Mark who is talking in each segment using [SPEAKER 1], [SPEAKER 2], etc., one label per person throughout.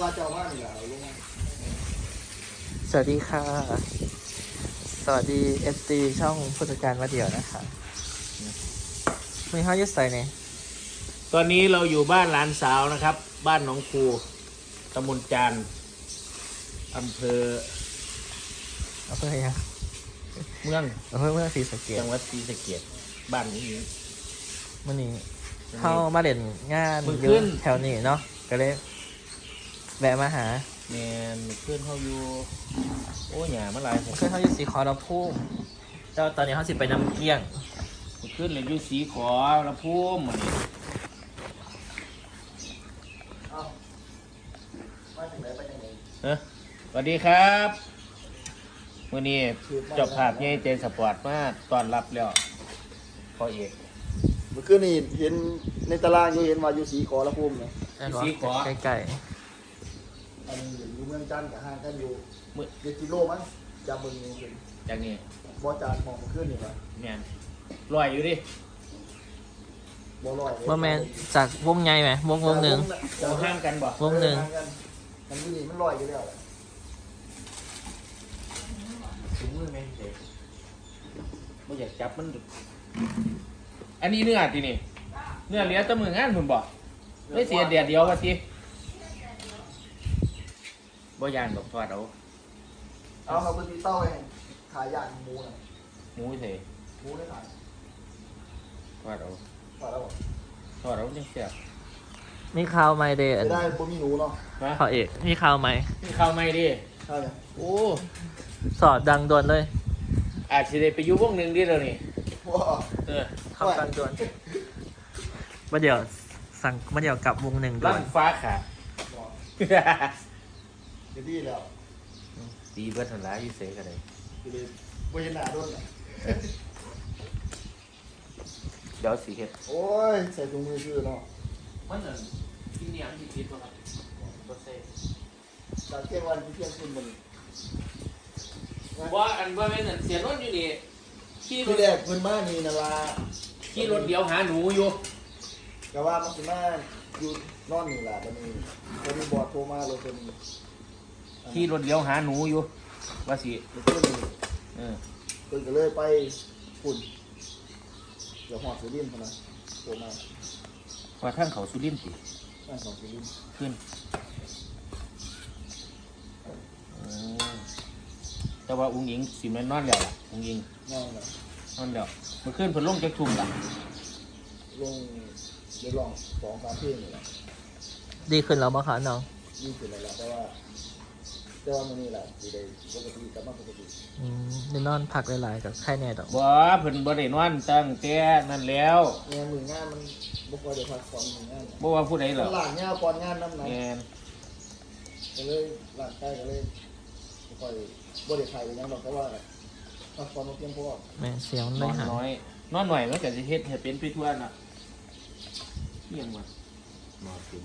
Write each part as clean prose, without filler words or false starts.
[SPEAKER 1] ว่าเจ้าว่านี่แหละลงมา
[SPEAKER 2] สวัสดีค่ะ สวัสดี FT ช่องผู้จัดการมาเดี่ยวนะคะมีห้ายุดใส่เนี่ย
[SPEAKER 3] ตอนนี้เราอยู่บ้านหลานสาวนะครับ บ้านหนองคูตำบลจานอำเภอ
[SPEAKER 2] เอาเพื่อยัง
[SPEAKER 3] เมือง
[SPEAKER 2] เอาเพื่อศรีสะเกษ
[SPEAKER 3] จังหวัดศรีสะเกษบ้านนี้
[SPEAKER 2] วันนี้เข้ามาเด่นงาน
[SPEAKER 3] มื้อ
[SPEAKER 2] อ
[SPEAKER 3] คื
[SPEAKER 2] ยู่
[SPEAKER 3] น
[SPEAKER 2] แถวนี้เนาะก็เลยแวะมาหา
[SPEAKER 3] แมนเพื่อนเขาอยู่โอ้ยหยามาหลายผม
[SPEAKER 2] เพื่อนเขาอยู่สีขอรพุ่มแล้วตอนนี้เขาสิไปน้ำเกี้ยง
[SPEAKER 3] ขึ้นเลยอยู่สีขอละพุ่มมันนี่
[SPEAKER 1] เอามาถึงไหนไปยังไง
[SPEAKER 3] สวัสดีครับวันนี้เจบภาพใหญ่เจนสปอร์ตมาต้อนรับแล้วพ่อเอก
[SPEAKER 1] เมื่อคืนนี่เห็นในตารางอยู่เห็นว่าอยู่สีขอละพุ่มเนี่ย
[SPEAKER 3] สีขอ
[SPEAKER 2] ใกล้
[SPEAKER 1] อันนี้อยู่เมืองจันทร์กับห้างกันอยู่
[SPEAKER 3] มือ
[SPEAKER 1] เด็กกิโลมั้งจำมึงอยู่เป็น
[SPEAKER 3] จากนี้
[SPEAKER 1] บ่จานมองเมื่อคืนนี่ว่า
[SPEAKER 3] แมนลอยอยู่ดิ
[SPEAKER 1] บ่ลอย
[SPEAKER 2] ๆว่าแมนจากวงใหญ่ไหมวงหนึ่ง
[SPEAKER 3] โอ้ห้างกันบ่
[SPEAKER 2] วงหนึ่ง
[SPEAKER 1] มันอยู่นี่มันลอยอยู่แล้วแหละ
[SPEAKER 3] ถุงมือไหมเด็กไม่อยากจับมันดุอันนี้เนื้อทีนี่เนื้อเหลือแตะมืองานผมบอกไม่เสียเดียดเดียววะทีบ่ยานดอกทอดเอา
[SPEAKER 1] เอาเขาเป็นตีเต้าเองขายย่างหมูน่ะ
[SPEAKER 3] หมูเส
[SPEAKER 1] หมูได้ขาย
[SPEAKER 3] ทอดเอา
[SPEAKER 1] ขายแล้วบ่
[SPEAKER 3] ทอดเอาจังเสียบ
[SPEAKER 2] มีข่าวไหมเดน
[SPEAKER 1] ไม่ได้บ่มีหนูเนาะ
[SPEAKER 3] มา
[SPEAKER 2] พอเอกมีข่าวไหม
[SPEAKER 3] นี่ข้าวไม่ดิ
[SPEAKER 1] ใช่ยัง
[SPEAKER 3] โอ้
[SPEAKER 2] สอดดังด่วนเลย
[SPEAKER 3] อาจจะได้ไปอยู่วงหนึ่งดิเรานี่
[SPEAKER 1] ว้า
[SPEAKER 3] เออ
[SPEAKER 2] เข้ากันด่วนมาเดี๋ยวสั่งมาเดี๋ยวกลับวงหนึ่งด่ว
[SPEAKER 3] ลั่
[SPEAKER 2] น
[SPEAKER 3] นฟ้าขาด
[SPEAKER 1] เดี๋ยวดีแล้ว
[SPEAKER 3] ตีเบิดหันหล้าอยู่เสกันเลย
[SPEAKER 1] เดี๋ยวบ่เห็นหน้าโดนน่ะ
[SPEAKER 3] เดี๋ยวสีเห็ด
[SPEAKER 1] โอ้ยใส่ถุงมือชื่อเนาะ
[SPEAKER 3] มันเหมือนที่เนี่ยมันคิดว่าครับบ่เซ่
[SPEAKER 1] จากเที่ยงวันที่เที่ยงคืนมัน
[SPEAKER 3] ว่าอันว่าแม่นอั่นเสียรถอยู่นี่ขี่ร
[SPEAKER 1] ที่
[SPEAKER 3] ถ
[SPEAKER 1] แรกเพิ่นมานี่นะว่า
[SPEAKER 3] ขี่รถเดียวหาหนูอยู่
[SPEAKER 1] ก็ว่ามันสิมาอยู่นอนนี่ล่ะบัดนี้พอดีบอดโทรมาเลยเพิ่น
[SPEAKER 3] ขี่รถเดียวหาหนูอยู่ว่าสิ
[SPEAKER 1] เพิ่นนี่
[SPEAKER 3] เออ
[SPEAKER 1] เพิ่นก็เลยไปฝุ่นเดี๋ยวหอดสุรินทร์พุ่นน่ะโทรมา
[SPEAKER 3] ว่าท่านเขาสุรินทร์สิ
[SPEAKER 1] บ้านของสุรินทร์
[SPEAKER 3] ขึ้นแต่ว่าอุ้งอิงสิแม่นนอนแล้วล่ะอุ้งอิง
[SPEAKER 1] นอนน่ะ
[SPEAKER 3] นอนแล้วเมื่อคืนเพิ่นลงจากทุ่มล่ะ
[SPEAKER 1] ลงเดี๋ยวลอง2-3เพลงนี่แหละ
[SPEAKER 2] ดีขึ้นแล้วมั้งคะน้อง
[SPEAKER 1] ยิ่งขึ้นแล้วล่ะแต่ว่ามื้อนี้ล่ะสิได้ปกติกลับมาปกติ
[SPEAKER 2] ได้นอนพักหลายๆกับไข้แน่ดอก
[SPEAKER 3] บ่เพิ่นบ่ได้นอนตั้งแต่นั่นแล้ว
[SPEAKER 1] เนี่ยมืองานมันบ่ค่อยได้พักผ่อนมืองาน
[SPEAKER 3] บ่ว่าผู้ใดหร
[SPEAKER 1] มั
[SPEAKER 3] อก
[SPEAKER 1] นหลานยาวก่อนงานนำนะ
[SPEAKER 3] แม่น
[SPEAKER 1] ก็เลยหลานใกล้ก็เลยบ่ค่อยบ่ได้ถ่ายไปยังดอกแต่ว่าพักผ่อนบ่เพียงพอ
[SPEAKER 2] แม่เสียงมัน
[SPEAKER 3] น
[SPEAKER 2] ไม่
[SPEAKER 3] อน
[SPEAKER 2] หาย
[SPEAKER 3] น้อยนอนหน่อยมันก็สิเฮ็ดให้เป็นไปทั่วน่ะเที่ยงว่ะนอนกิน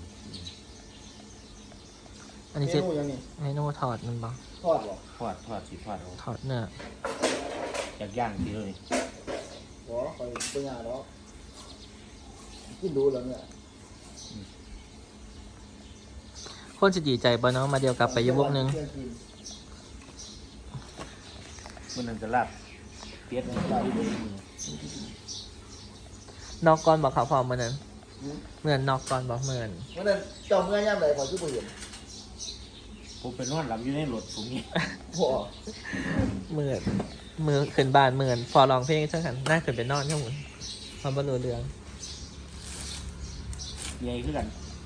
[SPEAKER 2] อันนี้
[SPEAKER 1] เม
[SPEAKER 2] เซ็ต
[SPEAKER 1] นูยังนี่
[SPEAKER 2] เมนูถอดมันบ้าง
[SPEAKER 1] ทอดบ่
[SPEAKER 3] ทอดสิทอดเอา
[SPEAKER 2] ถอดเนื้อ
[SPEAKER 3] อยากย่างสิเลย
[SPEAKER 1] บ่ค่อยบ่ยากดอกกินดูแล้วเนี่ย
[SPEAKER 2] คนจะดีใจบ่เนาะมาเดียวกลับไปอยู่วงหนึ่ง
[SPEAKER 1] เที่ยคืน
[SPEAKER 3] มื้อนั้นก็ลาบเป็ดนี่ลาบเป็ดนี่
[SPEAKER 2] นอกก่อนบอกเขาพร้อมมันนั้น
[SPEAKER 1] หืม
[SPEAKER 2] เหมือนนอกก่อนบอกเหมือน
[SPEAKER 1] วันนั้นเจ้าเมื่อยามใดขอยคือบ่เห็น
[SPEAKER 3] ผมไปนอนหลับอยู่ในรถผมนี่
[SPEAKER 1] บ่
[SPEAKER 2] เหมือนมือขึ้นบ้านเหมือนฟอร้องเพลงเช่นกันน่าขึ้นไปนอนข้างบนความบรรลุเรือง
[SPEAKER 3] ใหญ่คือกัน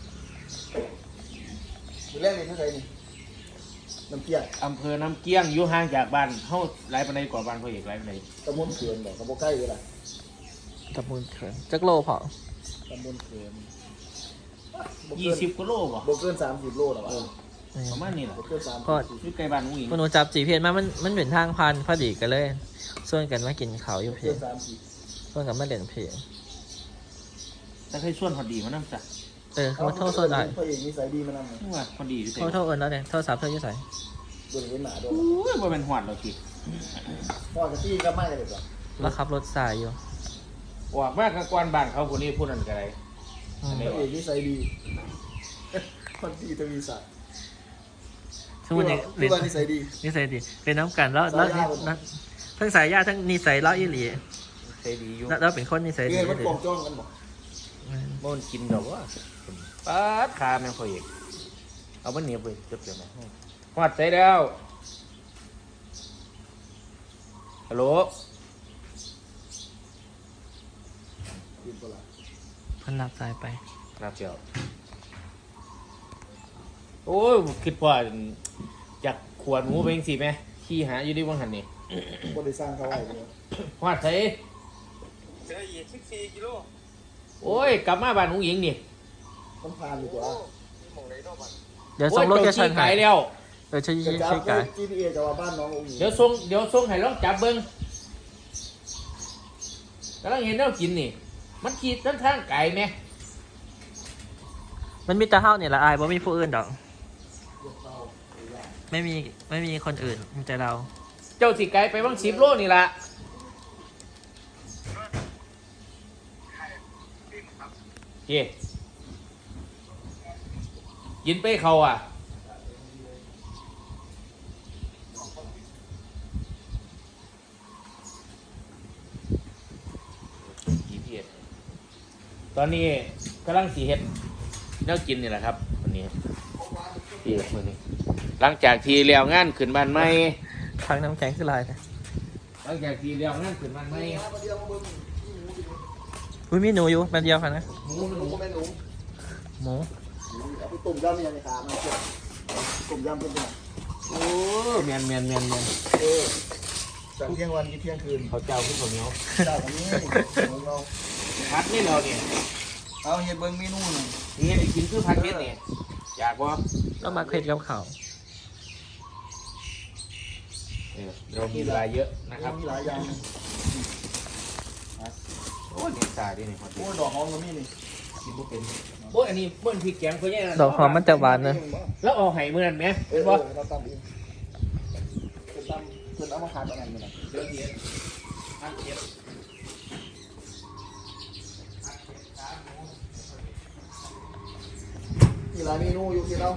[SPEAKER 1] มื้อแรกนี่คือไสนี่น้ำเกียง
[SPEAKER 3] อำเภอน้ำเกี้ยงอยู่ห่างจากบ้านเฮาหลายปานใดกว่าบ้านพ่อเอกหลายปานใด
[SPEAKER 1] ตำบลเขื่อนบ่ก็บ่ใกล้เลยล่ะ
[SPEAKER 2] ตะมูลเขินจักโลพอ
[SPEAKER 1] ตำบลเขื่อนบ่
[SPEAKER 3] ยี่
[SPEAKER 1] เกิน
[SPEAKER 3] สิบกิโลบ่
[SPEAKER 1] บ่เกิน30โลหรอก
[SPEAKER 3] เออประมาณนี้ล่ะ
[SPEAKER 1] บ่เกิน30
[SPEAKER 2] ก็
[SPEAKER 3] อยู่ใกล้บ้านอุ้งอิง
[SPEAKER 2] มนุษย์จับจีเพียนมามันเป็นทางพันพอดีกันเลยส่วนกันมากินเขาวอยู่
[SPEAKER 1] บ่
[SPEAKER 2] เพ
[SPEAKER 1] เกิ
[SPEAKER 2] ง
[SPEAKER 1] น30
[SPEAKER 2] ส่วนกันมาเล่นเพลง
[SPEAKER 3] แต่เคยชวนพอดีมานำจ้ะ
[SPEAKER 2] เขามาโทษโซนได้
[SPEAKER 1] พระเอกนิสัยดีมานำ
[SPEAKER 3] นี่ว่าพอดีอยู่เด้
[SPEAKER 2] โทษเอิญแล้วเนี่ยโทษสามเธออยู่ใส่
[SPEAKER 1] โดนเห็นหน้าโดน
[SPEAKER 3] โอ้ยบ่แม่นฮอดดอกที
[SPEAKER 1] พ่อกะตี้ก็ไม่เลยจ้ะ
[SPEAKER 2] แล้วขับรถสายอยู่
[SPEAKER 3] ออกมากับกวนบ้านเขาผู้นี้ผู้นั้นก็ได้
[SPEAKER 2] อืม
[SPEAKER 1] พระเอกนิสัยดี คนดีทวีศักดิ์
[SPEAKER 2] สมมุตินี่
[SPEAKER 1] ทุกวันนิสัยดี
[SPEAKER 2] นิสัยดีเป็นน้ำกันแล้วทั้งสายญาติทั้งนิสัยเล่าอีหลี
[SPEAKER 3] ใจดีอยู่
[SPEAKER 2] แล้วเป็นคนนิสัยดี
[SPEAKER 1] เงินมันกองจ้องกันบอก
[SPEAKER 3] มันกินดอกว่าป๊าดขาแม่งพอเอกเอามันเหนียวไปจบเดี๋ยวนะหอดใจแล้วฮัลโหล
[SPEAKER 1] กินปลา
[SPEAKER 2] เพันรับสายไป
[SPEAKER 3] ครับเจ้าโอ้ยคิดว่าอยากขวดหมูไปเองสิแม่ขี้หาอยู่ที่วังหันนี่
[SPEAKER 1] บริสร้างเขาไว้เลย
[SPEAKER 3] หอดใจ
[SPEAKER 4] เจออีก14 กิโล
[SPEAKER 3] โอ้ยกลับมาบ้านหนูหญิงนี่
[SPEAKER 1] ต้องพานดีกว่า
[SPEAKER 4] มีหมองไหนนอกบ้าน
[SPEAKER 2] เดี๋ยวส่งโลเคชั่น
[SPEAKER 3] ไกล
[SPEAKER 2] ให้
[SPEAKER 3] แล้ว
[SPEAKER 2] ช่วย
[SPEAKER 1] จะจับ
[SPEAKER 2] ช่วยกัน
[SPEAKER 1] GTA จะว่าบ้านน้ององค์หญิง
[SPEAKER 3] เดี๋ยวส่งให้ลองจับเบิ้งกำลังเห็นแล้วกินนี่ มันขีดทั้งทางไก่ไหม
[SPEAKER 2] มันมีแต่เฮาเนี่ยละอายบ่มีผู้อื่นดอก ไม่มีคนอื่นมีแต่เรา
[SPEAKER 3] เจ้าสิไก่ไปบ้าง10 โลนี่ละเฮ้กินไปเขาอ่ะตอนนี้กำลังสีเห็ดแนวกินนี่แหละครับวันนี้พี่มือนี้หลังจากที่เลี้ยวงานขึ้นบ้านใหม่
[SPEAKER 2] ทางน้ำแข็งคือลายนะ
[SPEAKER 3] หลังจากที่เลี้ยวงานขึ้นบ้านใหม่
[SPEAKER 2] อุ้ยมีหนูอยู่แป๊บเดียวค่ะนะ
[SPEAKER 3] หมู
[SPEAKER 1] หนูก็แม่หนู
[SPEAKER 2] หมู
[SPEAKER 1] เอาไปต้มยำยังไงขามันเจ็บต้มยำเป็นยัง
[SPEAKER 3] โอ้เมียน
[SPEAKER 1] จากเที่ยงวันกินเที่ยงคืน
[SPEAKER 3] เขาเจ้าขึ้นข้าวเหนียว
[SPEAKER 1] เจ้าคนนี้ของเรา
[SPEAKER 3] พัดนี่เราเนี่ย
[SPEAKER 1] เอาเห็ดเบิ้งเมนูหนึ่ง
[SPEAKER 3] นี่ได้กินคือพัดเม็ดเนี่ยอยากว่า
[SPEAKER 2] แล้วมาเผ็ดกับข้าว
[SPEAKER 3] เรามีเวลาเยอะนะครับ
[SPEAKER 1] มีหลายอย่าง
[SPEAKER 3] โอ้ยเนี่ยตายดิเนี่ยพอดี
[SPEAKER 1] โอ้ดอกหอมก็มีนี่
[SPEAKER 3] กินบ่เป็นโอ้ยอันนี้เบิ้ลพริกแกงเขาแย่นะ
[SPEAKER 2] ดอกหอมมันจะหวานนะ
[SPEAKER 3] แล้วเอาไห้เมื่อนั้นไหม
[SPEAKER 1] เอ
[SPEAKER 3] เป็
[SPEAKER 1] อน
[SPEAKER 3] บ่
[SPEAKER 1] เราตำเองเป็นตำเป็นเอามาขายตอนนั้นเลย
[SPEAKER 3] เดี๋ยวเทียนพัดเทียน
[SPEAKER 1] มีหลายเมนูอยู่ที่เรา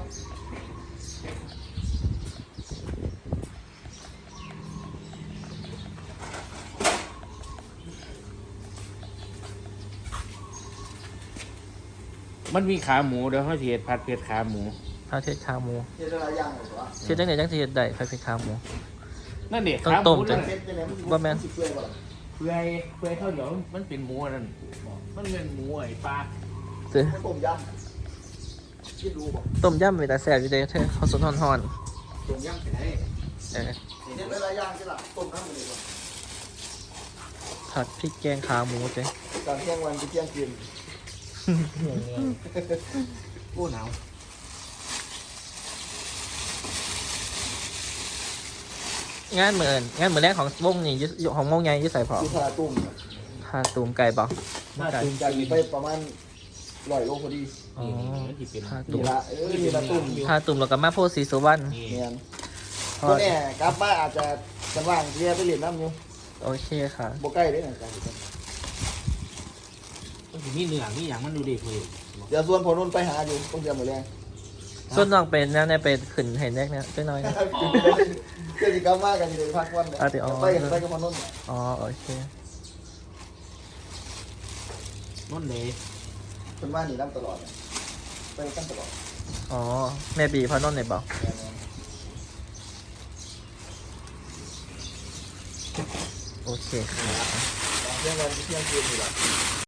[SPEAKER 3] มันมีขาหมูเดี๋ยวเขาเทียนผัดเผ็ดขาหมู
[SPEAKER 2] พาเทศขาหมู
[SPEAKER 1] เห็ดหลายอย่างเลยว่า
[SPEAKER 2] เทศจังไหนจังสิเฮ็ดได้พาเผ็ดขาหมู
[SPEAKER 3] นั่นเด็ก
[SPEAKER 2] ต้อง
[SPEAKER 3] ขาห
[SPEAKER 2] ต้
[SPEAKER 3] มู
[SPEAKER 2] มจั
[SPEAKER 3] นั่
[SPEAKER 2] ง
[SPEAKER 3] น
[SPEAKER 1] เห็ดยังไงมัน
[SPEAKER 2] บ่แม่น
[SPEAKER 1] สิเปื่อยบ่ล่ะ
[SPEAKER 3] เปื่อยข้าวเหนียวมันเป็นหมูอันนั่นมันเป็นหมูไอ้ปลา
[SPEAKER 2] ซื้อ
[SPEAKER 1] มันต้มยำคิดรู้บ่
[SPEAKER 2] ต้มยำเป็นตาแซ่บอยู่เด้อเธอข้าวสนฮ้อน
[SPEAKER 1] ต้มยำเป็นไง
[SPEAKER 2] ๆเออ
[SPEAKER 1] เห็ดหลายอย่างใช่ล่ะต้มน้ำมันเลยบ่
[SPEAKER 2] ผัดพริกแกงขาหมูเจ้
[SPEAKER 1] จากเที่ยงวันกินเที่ยงคืน
[SPEAKER 3] โอ้หนาว
[SPEAKER 2] งานมื้อแรกของวงนี่อยู่ของวงใหญ่อยู่ใส่พอ
[SPEAKER 1] คือทาตุ้ม
[SPEAKER 2] พาตูมไก่บ่
[SPEAKER 3] น่า
[SPEAKER 2] ไก่
[SPEAKER 3] ตื่นใจ
[SPEAKER 1] จากนี้ไปประมาณ100 โลพอดี
[SPEAKER 2] อ๋อ
[SPEAKER 3] มันจะเป็น
[SPEAKER 2] พาตู
[SPEAKER 1] นี่
[SPEAKER 2] ม
[SPEAKER 1] ละนี่ละตุ้ม
[SPEAKER 2] พาตูมแล้วก็มาโพธิ์ศรีสุวรรณ
[SPEAKER 3] นี่
[SPEAKER 1] เนี่ยตัวเนี่ยกลับมาอาจจะกันว่างเรียไปเรียนน้ำอยู่
[SPEAKER 2] โอเคค่ะ
[SPEAKER 1] บ่ใกล้ได้หนังกัน
[SPEAKER 3] มันจะมีเนื้อมีอย่างมันดูดีคุย
[SPEAKER 1] เดี๋ยวส่วนพอนุ่นไปหาอยู่ต้องเตรียมหมดแรง
[SPEAKER 2] ส่วนน้องเป็นนะเนี่ยเป็นขึ้นเห็นแรกเนี่ยจักหน่อยนะ
[SPEAKER 1] เดี๋ยวสิกลับมากันอยู่ในพักวันเนี่ย
[SPEAKER 2] อ่ะเดี๋ยวเอา
[SPEAKER 1] ไปกับพอนุ่น
[SPEAKER 2] อ๋อโอเค
[SPEAKER 3] นั่นเลย
[SPEAKER 1] คนว่าหนีน้ำตลอดไปกันตลอด
[SPEAKER 2] อ๋อแม่บีพอนนท์เนี่ยบอกโอเคค่ะ
[SPEAKER 1] เที่ยงวันเที่ยงคืนอยู่ละ